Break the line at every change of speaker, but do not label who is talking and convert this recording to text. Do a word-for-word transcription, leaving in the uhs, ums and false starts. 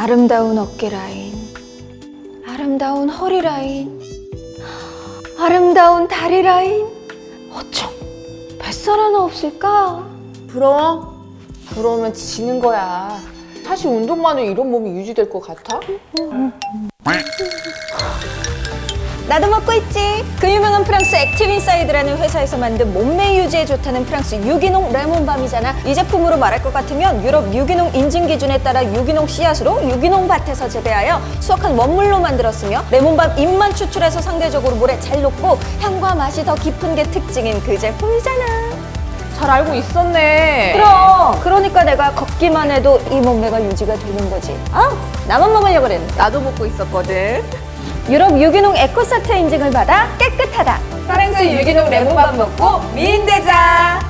아름다운 어깨 라인, 아름다운 허리 라인, 아름다운 다리 라인. 어쩜 뱃살 하나 없을까?
부러워? 부러우면 지는 거야. 사실 운동만으로 이런 몸이 유지될 것 같아?
나도 먹고 있지. 그 유명한 프랑스 액티브인사이드라는 회사에서 만든 몸매 유지에 좋다는 프랑스 유기농 레몬밤이잖아. 이 제품으로 말할 것 같으면 유럽 유기농 인증 기준에 따라 유기농 씨앗으로 유기농 밭에서 재배하여 수확한 원물로 만들었으며 레몬밤 잎만 추출해서 상대적으로 물에 잘 녹고 향과 맛이 더 깊은 게 특징인 그 제품이잖아.
잘 알고 있었네.
그럼 그러니까 내가 걷기만 해도 이 몸매가 유지가 되는 거지. 아, 나만 먹으려고 그랬는데.
나도 먹고 있었거든.
유럽 유기농 에코사트 인증을 받아 깨끗하다.
프랑스 유기농 레몬밥 먹고 미인 되자.